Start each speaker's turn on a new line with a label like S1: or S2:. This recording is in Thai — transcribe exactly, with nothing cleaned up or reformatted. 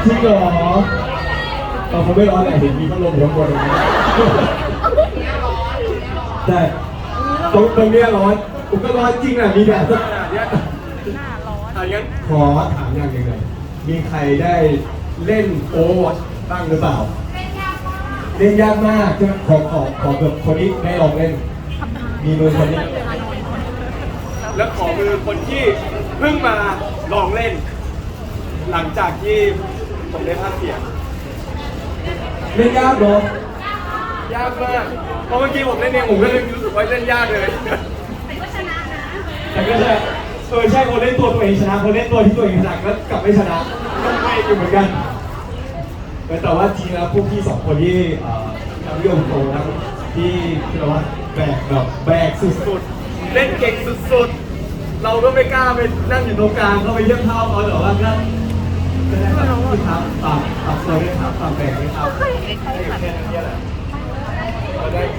S1: จริงเหรอตอนเขาไม่ร้อนเลยเห็นมีพัดลมอยู่ข้างบนเลยแต่ตรงตรงเนี้ยร้อนผมก็ร้อนจริงอ่ะมีแดดสักขนาดเนี้ยอ่ะงั้นขอถามอย่างหนึ่งเลยมีใครได้เล่นโอเวอร์วอตช์บ้างหรือเปล่าเล่นยากมากใช่ไหมขอขอขอแบบคนนี้ได้ลองเล่นมีมือคนนี้แล้วขอมือคนที่เพิ่งมาลองเล่นหลังจากที่ผมได้ภาคเสียงเล่นยากเนาะยากมากเพราะเมื่อกี้ผมเล่นเองผมก็เลยรู้สึกว่าเล่นยากเลยแต่ก็ชนะนะแต่ก็ชนะเออใช่คนเล่นตัวตัวเองชนะคนเล่นตัวที่ตัวเองถนัดก็กลับไม่ชนะก็ไม่อยู่เหมือนกันแต่ว่าจริงแล้วพวกพี่สองคนที่ทำเรื่องโตนะที่ที่เราว่าแบกแบบแบกสุดๆเล่นเก่งสุดๆเราก็ไม่กล้าไปนั่งอยู่ตรงกลางเขาไปเยี่ยมเท้าเขาแต่ว่าก็ก็ได้ครับที่ครับปรับปรับตัวด้วยครับปรับแบกด้วยครับแค่นั้นแหละ